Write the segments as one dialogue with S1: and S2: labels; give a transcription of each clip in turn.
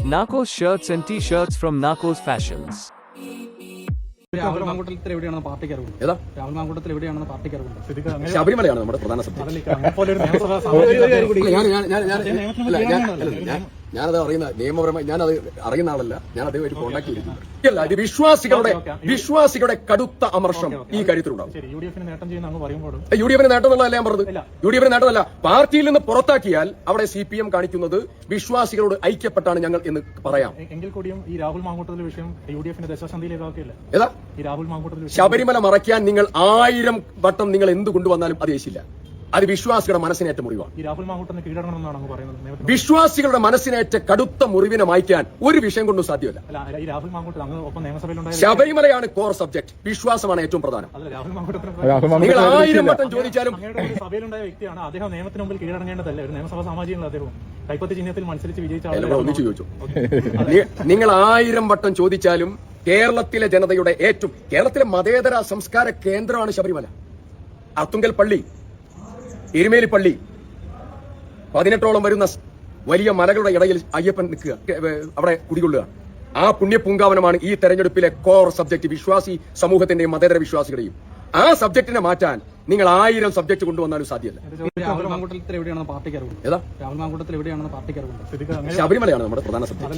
S1: Narcos shirts and t-shirts from Narcos Fashions.
S2: Rahul Mamkootathil എവിടെയാണെന്ന് പാർട്ടിക്ക് അറിവുണ്ട്.
S3: ഏതാ
S2: രാഹുൽ മാങ്കൂട്ടത്തിൽ എവിടെയാണെന്ന് പാർട്ടിക്ക് അറിവുണ്ട്.
S3: ശബരിമലയാണ് നമ്മുടെ പ്രധാന സബ്ജക്ട്. ഞാനത് അറിയുന്ന നിയമപരമായി ഞാനത് അറിയുന്ന ആളല്ല. ഞാൻ അദ്ദേഹമായിട്ട് കോൺടാക്ട് ചെയ്തിട്ടുണ്ട്. അല്ല, ഇത് വിശ്വാസികളുടെ കടുത്ത അമർഷം ഈ കാര്യത്തിലുണ്ടാവും.
S2: യു ഡി എഫിന് നേട്ടം ചെയ്യുന്ന അങ്ങ് പറയുമ്പോൾ
S3: യു ഡി എഫിന് നേട്ടം എന്നുള്ളതല്ല ഞാൻ പറഞ്ഞത്. യു ഡി എഫിന് നേട്ടമല്ല. പാർട്ടിയിൽ നിന്ന് പുറത്താക്കിയാൽ അവിടെ CPM കാണിക്കുന്നത് വിശ്വാസികളോട് ഐക്യപ്പെട്ടാണ് ഞങ്ങൾ എന്ന് പറയാം.
S2: എങ്കിൽ കൂടിയും ഈ രാഹുൽ മാങ്കൂട്ടത്തിലെ വിഷയം യു.ഡി.എഫിന്റെ ദശാസന്ധിയിലേക്കാക്കില്ല.
S3: ഏതാ
S2: ഈ രാഹുൽ മാങ്കൂട്ടത്തിൽ
S3: ശബരിമല മറയ്ക്കാൻ നിങ്ങൾ 1000 വട്ടം നിങ്ങൾ എന്ത് കൊണ്ടുവന്നാലും അത് യേശില്ല. അത് വിശ്വാസികളുടെ മനസ്സിനേറ്റ മുറിവാണ്.
S2: ഈ രാഹുൽ മാങ്കൂട്ടത്തിന് കീഴടങ്ങണമെന്നാണ് അങ്ങ് പറയുന്നത്.
S3: വിശ്വാസികളുടെ മനസ്സിനേറ്റ കടുത്ത മുറിവിനെ മായ്ക്കാൻ ഒരു വിഷയം കൊണ്ടും സാധ്യമല്ല.
S2: ഈ രാഹുൽ മാങ്കൂട്ടത്തിൽ അങ്ങ് ഒപ്പം നിയമസഭയിലുണ്ടായ
S3: ശബരിമലയാണ് കോർ സബ്ജക്ട്. വിശ്വാസമാണ് ഏറ്റവും പ്രധാനം.
S2: രാഹുൽ മാങ്കൂട്ടത്തിന്
S3: നിങ്ങൾ 1000 വട്ടം ചോദിച്ചാലും
S2: സഭയിലുണ്ടായ വ്യക്തിയാണ്. അദ്ദേഹം നിയമത്തിന് മുമ്പിൽ കീഴടങ്ങേണ്ടതല്ലേ? ഒരു നിയമസഭാ സാമാജികനുള്ള അദ്ദേഹം കൈപ്പത്തി ചിഹ്നത്തിൽ മത്സരിച്ച് വിജയിച്ച
S3: ഒന്നിച്ചു ചോദിച്ചു. നിങ്ങൾ 1000 വട്ടം ചോദിച്ചാലും കേരളത്തിലെ ജനതയുടെ കേരളത്തിലെ മതേതര സംസ്കാര കേന്ദ്രമാണ് ശബരിമല. അർത്തുങ്കൽ പള്ളി, എരുമേലി പള്ളി, 18ഓളം വരുന്ന വലിയ മലകളുടെ ഇടയിൽ അയ്യപ്പൻ നിൽക്കുക, അവിടെ കുടികൊള്ളുക. ആ പുണ്യപൂങ്കാവനമാണ് ഈ തെരഞ്ഞെടുപ്പിലെ കോർ സബ്ജക്ട്. വിശ്വാസി സമൂഹത്തിന്റെയും മതേതര വിശ്വാസികളുടെയും ആ സബ്ജക്റ്റിനെ മാറ്റാൻ നിങ്ങൾ 1000 സബ്ജക്ട് കൊണ്ടുവന്നാലും സാധ്യമല്ല.
S2: രാഹുൽ മാങ്കൂട്ടത്തിൽ എവിടെയാണെന്ന് പാർട്ടിക്ക് അറിവുണ്ട്.
S3: ഏതാ
S2: രാഹുൽ മാങ്കൂട്ടത്തിൽ എവിടെയാണെന്ന് പാർട്ടിക്ക് അറിവുണ്ട്.
S3: ശബരിമലയാണ് നമ്മുടെ പ്രധാന സബ്ജക്ട്.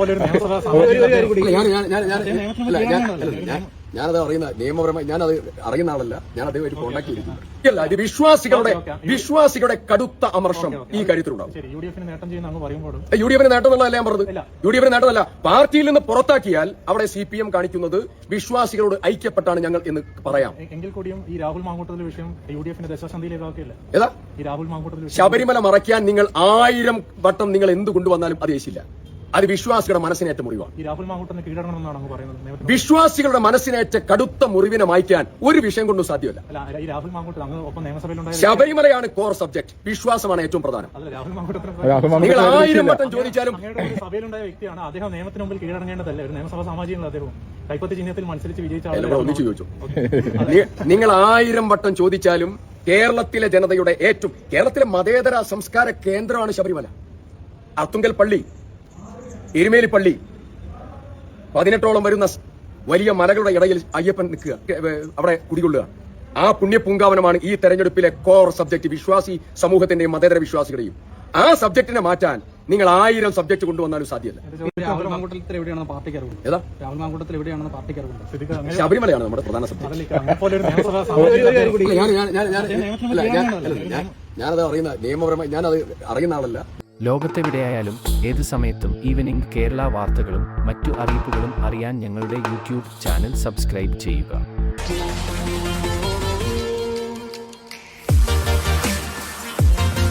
S3: ഞാനത് അറിയുന്ന നിയമപരമായി ഞാനത് അറിയുന്ന ആളല്ല. ഞാൻ അദ്ദേഹമായിട്ട് കോൺടാക്ട് ചെയ്തിട്ടുണ്ട്. അല്ല, ഇത് വിശ്വാസികളുടെ കടുത്ത അമർഷം ഈ കാര്യത്തിലുണ്ടാവും.
S2: യു ഡി എഫിന് നേട്ടം ചെയ്യുന്ന അങ്ങ് പറയുമ്പോൾ
S3: യു ഡി എഫിന് നേട്ടം എന്നുള്ളതല്ല ഞാൻ പറഞ്ഞത്. യു ഡി എഫിന് നേട്ടമല്ല. പാർട്ടിയിൽ നിന്ന് പുറത്താക്കിയാൽ അവിടെ CPM കാണിക്കുന്നത് വിശ്വാസികളോട് ഐക്യപ്പെട്ടാണ് ഞങ്ങൾ എന്ന് പറയാം.
S2: എങ്കിൽ കൂടിയും ഈ രാഹുൽ മാങ്കൂട്ടത്തിലെ വിഷയം യു.ഡി.എഫിന്റെ ദശാസന്ധിയിലേക്കാക്കില്ല.
S3: ഏതാ
S2: ഈ രാഹുൽ മാങ്കൂട്ടത്തിൽ
S3: ശബരിമല മറയ്ക്കാൻ നിങ്ങൾ 1000 വട്ടം നിങ്ങൾ എന്ത് കൊണ്ടുവന്നാലും അത് യേശില്ല. അത് വിശ്വാസികളുടെ മനസ്സിനേറ്റ മുറിവാണ്.
S2: ഈ രാഹുൽ മാങ്കൂട്ടത്തിന് കീഴടങ്ങണമെന്നാണ് അങ്ങ് പറയുന്നത്.
S3: വിശ്വാസികളുടെ മനസ്സിനേറ്റ കടുത്ത മുറിവിനെ മായ്ക്കാൻ ഒരു വിഷയം കൊണ്ടും സാധ്യമല്ല.
S2: ഈ രാഹുൽ മാങ്കൂട്ടത്തിൽ അങ്ങ് ഒപ്പം നിയമസഭയിലുണ്ടായ
S3: ശബരിമലയാണ് കോർ സബ്ജക്ട്. വിശ്വാസമാണ് ഏറ്റവും പ്രധാനം.
S2: രാഹുൽ മാങ്കൂട്ടത്തിന്
S3: നിങ്ങൾ 1000 വട്ടം ചോദിച്ചാലും
S2: സഭയിലുണ്ടായ വ്യക്തിയാണ്. അദ്ദേഹം നിയമത്തിന് മുമ്പിൽ കീഴടങ്ങേണ്ടതല്ലേ? ഒരു നിയമസഭാ സാമാജികനുള്ള അദ്ദേഹം കൈപ്പത്തി ചിഹ്നത്തിൽ മത്സരിച്ച് വിജയിച്ച
S3: ഒന്നിച്ചു ചോദിച്ചു. നിങ്ങൾ 1000 വട്ടം ചോദിച്ചാലും കേരളത്തിലെ ജനതയുടെ കേരളത്തിലെ മതേതര സംസ്കാര കേന്ദ്രമാണ് ശബരിമല. അർത്തുങ്കൽ പള്ളി, എരുമേലി പള്ളി, 18ഓളം വരുന്ന വലിയ മലകളുടെ ഇടയിൽ അയ്യപ്പൻ നിൽക്കുക, അവിടെ കുടികൊള്ളുക. ആ പുണ്യപൂങ്കാവനമാണ് ഈ തെരഞ്ഞെടുപ്പിലെ കോർ സബ്ജക്ട്. വിശ്വാസി സമൂഹത്തിന്റെയും മതേതര വിശ്വാസികളുടെയും ആ സബ്ജക്റ്റിനെ മാറ്റാൻ നിങ്ങൾ 1000 സബ്ജക്ട് കൊണ്ടുവന്നാലും സാധ്യമല്ല.
S2: രാഹുൽ മാങ്കൂട്ടത്തിൽ എവിടെയാണെന്ന് പാർട്ടിക്ക് അറിവുണ്ട്.
S3: ഏതാ
S2: രാഹുൽ മാങ്കൂട്ടത്തിൽ എവിടെയാണെന്ന് പാർട്ടിക്ക് അറിവുണ്ട്.
S3: ശബരിമലയാണ് നമ്മുടെ പ്രധാന സബ്ജക്ട്. ഞാനത് അറിയുന്ന നിയമപരമായി ഞാനത് അറിയുന്ന ആളല്ല.
S1: ലോകത്തെവിടെയായാലും ഏത് സമയത്തും ഈവനിംഗ് കേരള വാർത്തകളും മറ്റു അറിയിപ്പുകളും അറിയാൻ ഞങ്ങളുടെ YouTube ചാനൽ സബ്സ്ക്രൈബ് ചെയ്യുക.